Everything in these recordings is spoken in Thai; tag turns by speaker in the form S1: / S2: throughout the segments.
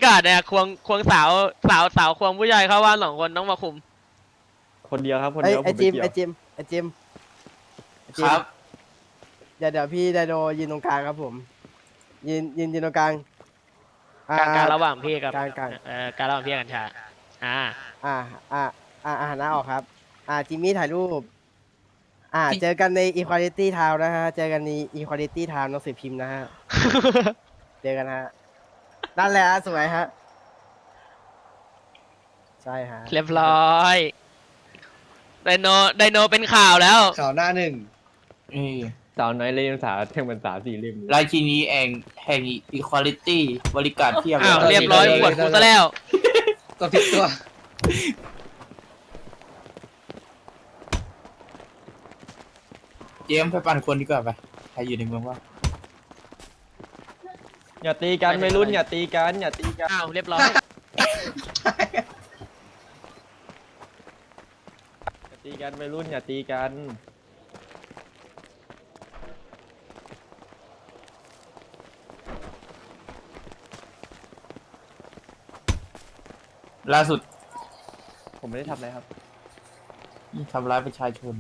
S1: กาดเนี่ยควงสาวควงผู้ชายเข้าบ้าน2 คนต้องมาคุม
S2: คนเดียวครับคนเดียวผม
S3: ไอ
S2: ไม่
S3: จิม
S2: เกี่ยว
S3: ไอจิมไอจิม
S4: ครับ
S3: เดี๋ยวพี่ไดโนยืนตรงกลางครับผมยืนตรงกลาง
S1: การระหว่างพี่กับ
S3: กลาง
S1: การระหว่างพี่กับกัญชาอ่า
S3: อ่าหันหน้าออกครับจิมมี่ถ่ายรูปเจอกันใน Equality Town นะฮะเจอกันใน Equality Town หนังสือพิมพ์นะฮะ เจอกันฮะนั่นแหละฮะสวยฮะใช่ฮะ
S1: เรียบร้อยไดโนเป็นข่าวแล้ว
S5: ข่าวหน้าหนึ่ง
S4: นี่
S2: สาวน้อยเล่มสาวแท่งบรรษา4 เล่ม
S4: ราชินีแห่ง equality บริการเทียบ
S1: อ้าวเรียบร้อยปวดกูซะแล้ว
S5: ตัวผิดตัว
S4: เจมส์ไปปั่นคนดีกว่าไปใครอยู่ในเมืองวะ
S2: อย่าตีกันไม่รุ่นอย่าตีกันอย่าตีกัน
S1: อ้าวเรียบร้อย
S2: อย่าตีกันไม่รุ่นอย่าตีกัน
S4: ล่าสุด
S2: ผมไม่ได้ทำอะไรครับ
S4: ทำร้ายประชาชน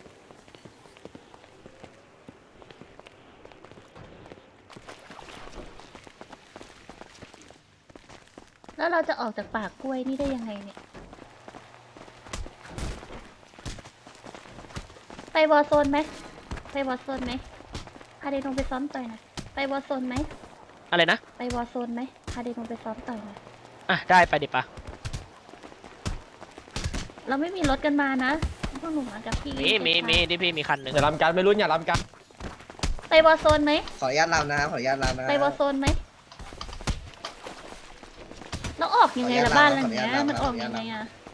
S6: แล้วเราจะออกจากปากกล้วยนี่ได้ยังไงเนี่ย ไปวอร์โซนไหมไปวอร์โซนไหมพาเดนงไปซ้อมต่อยหน่อยไปวอร์โซนไหม
S1: อะไรนะ
S6: ไปวอร์โซนไหมพาเดนงไปซ้อมต่อยหน่อย
S1: อ่ะได้ไปดิปะ
S6: เราไม่มีรถกันมานะพวกหนูมากับพี่
S1: มีที่พี่มีคันหนึ่ง
S2: อย่าลำกันไม่รุ่นอย่าลำกัน
S6: ไปวอร์โซนไหม
S5: ขออนุญาตรำนะครับขออนุญาตรำนะ
S6: ไปวอร์โซนไหมแล้วออกยังไงละบ้านหลังเนี้ยมันออกยังไงอะ